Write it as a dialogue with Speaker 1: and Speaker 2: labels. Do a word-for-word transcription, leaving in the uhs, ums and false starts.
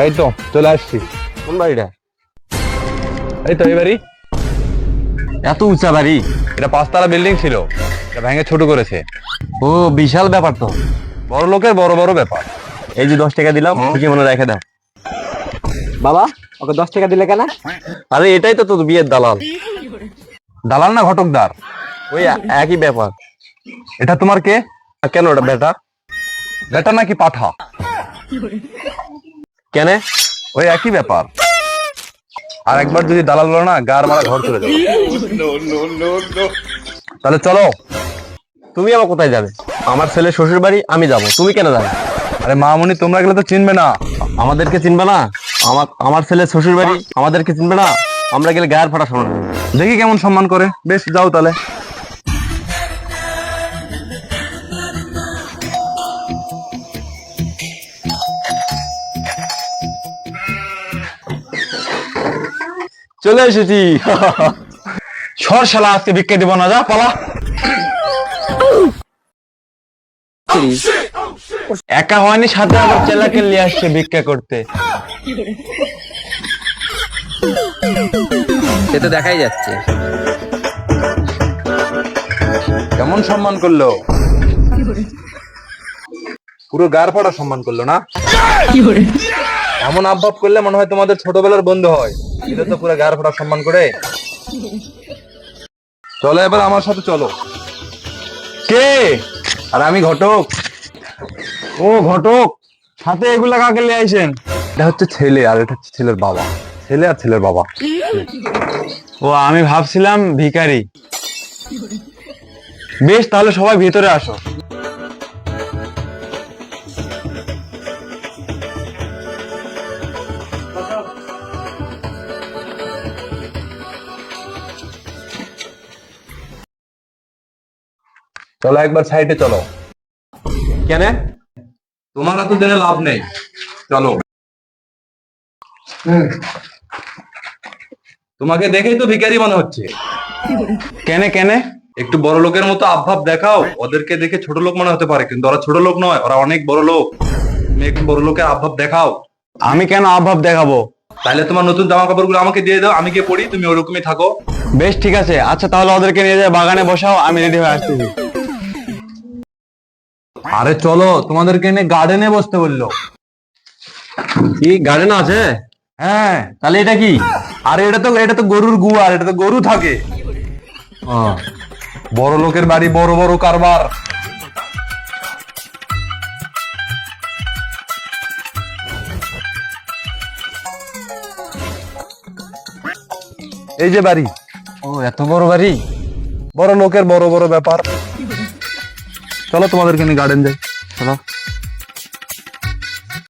Speaker 1: এই তো চলে আসছি।
Speaker 2: কোন বাড়িটা?
Speaker 1: এই তো এই বাড়ি।
Speaker 2: এত উঁচা বাড়ি?
Speaker 1: এটা পাঁচতলা বিল্ডিং ছিল, এটা ভেঙে ছোট করেছে।
Speaker 2: ও বিশাল ব্যাপার তো।
Speaker 1: বড় লোকের বড় বড় ব্যাপার।
Speaker 2: এই যে দশ টাকা দিলাম, তুমি মনে রেখে দাও।
Speaker 3: বাবা, ওকে দশ টাকা দিলে কেন?
Speaker 2: আরে এটাই তো তোর বিয়ের দালাল।
Speaker 1: দালাল না ঘটকদার?
Speaker 2: ওই একই ব্যাপার।
Speaker 1: এটা তোমার কে?
Speaker 2: আর কেন ওটা বেটা?
Speaker 1: বেটা নাকি পাঠা?
Speaker 2: কেন?
Speaker 1: ওই একই ব্যাপার। আর একবার যদি দালাল বলো না, গার মারা ঘর চলে যাবে। তাহলে চলো।
Speaker 2: তুমি আবার কোথায় যাবে? আমার ছেলে শ্বশুর বাড়ি, আমি যাব, তুমি কেন যাবে?
Speaker 1: আরে মামুনি, তোমরা গেলে তো চিনবে না।
Speaker 2: আমাদেরকে চিনবে না? আমার আমার ছেলে শ্বশুর বাড়ি, আমাদেরকে চিনবে না? আমরা গেলে গায়ের ফাটা শোনা।
Speaker 1: দেখি কেমন সম্মান করে। বেশ, যাও তাহলে।
Speaker 2: চলে এসেছি।
Speaker 1: সর শালা, আজকে ভিক্ষা দিব না, যা পালা।
Speaker 2: একা হয়নি, সাথে আবার চেলাকে নিয়ে আসছে ভিক্ষা করতে।
Speaker 3: সে তো দেখাই যাচ্ছে।
Speaker 1: কেমন সম্মান করলো? পুরো গার ফাটা সম্মান করলো না? এমন আবভাব করলে মনে হয় তোমাদের ছোটবেলার বন্ধু হয়। এটা তো পুরো গার ফাটা সম্মান করে। চলো এবার আমার সাথে চলো।
Speaker 2: কে?
Speaker 1: আর আমি ঘটক।
Speaker 2: ও ঘটক, সাথে এগুলা কাকে নিয়ে আইছেন?
Speaker 1: এটা হচ্ছে ছেলে, আর এটা হচ্ছে ছেলের বাবা। ছেলে আর ছেলের বাবা।
Speaker 2: ও, আমি ভাবছিলাম ভিখারি। বেশ, তাহলে সবাই ভিতরে আসো।
Speaker 1: চলো একবার সাইডে চলো।
Speaker 2: কেন?
Speaker 1: তোমার তো জেনে লাভ নেই, চলো। তোমাকে দেখেই তো ভিখারি মনে হচ্ছে।
Speaker 2: কেন কেন?
Speaker 1: একটু বড় লোকের মতো আবভাব দেখাও। ওদেরকে দেখে ছোট লোক মনে হতে পারে, কিন্তু ওরা ছোট লোক নয়, ওরা অনেক বড় লোক। তুমি একটু বড় লোকের আবভাব দেখাও।
Speaker 2: আমি কেন অভাব দেখাবো?
Speaker 1: তাহলে তোমার নতুন জামা কাপড়গুলো আমাকে দিয়ে দাও, আমি গিয়ে পড়ি, তুমি ওরকমই থাকো।
Speaker 2: বেশ ঠিক আছে। আচ্ছা তাহলে ওদেরকে নিয়ে যায় বাগানে বসাও, আমি রেডি হয়ে আসতেছি।
Speaker 1: আরে চলো, তোমাদেরকে এনে গার্ডেনে বসতে বললো।
Speaker 2: কি গার্ডেন আছে?
Speaker 1: হ্যাঁ।
Speaker 2: তাহলে এটা কি?
Speaker 1: আরে এটা তো এটা তো গরুর গুয়ার, এটা তো গরু থাকে।
Speaker 2: ও,
Speaker 1: বড় লোকের বাড়ি, বড় বড় কারবার। এই যে বাড়ি।
Speaker 2: ও এত বড় বাড়ি।
Speaker 1: বড় লোকের বড় বড় ব্যাপার। চলো তোমাদেরকে নিয়ে গার্ডেন যাই।
Speaker 2: চলো।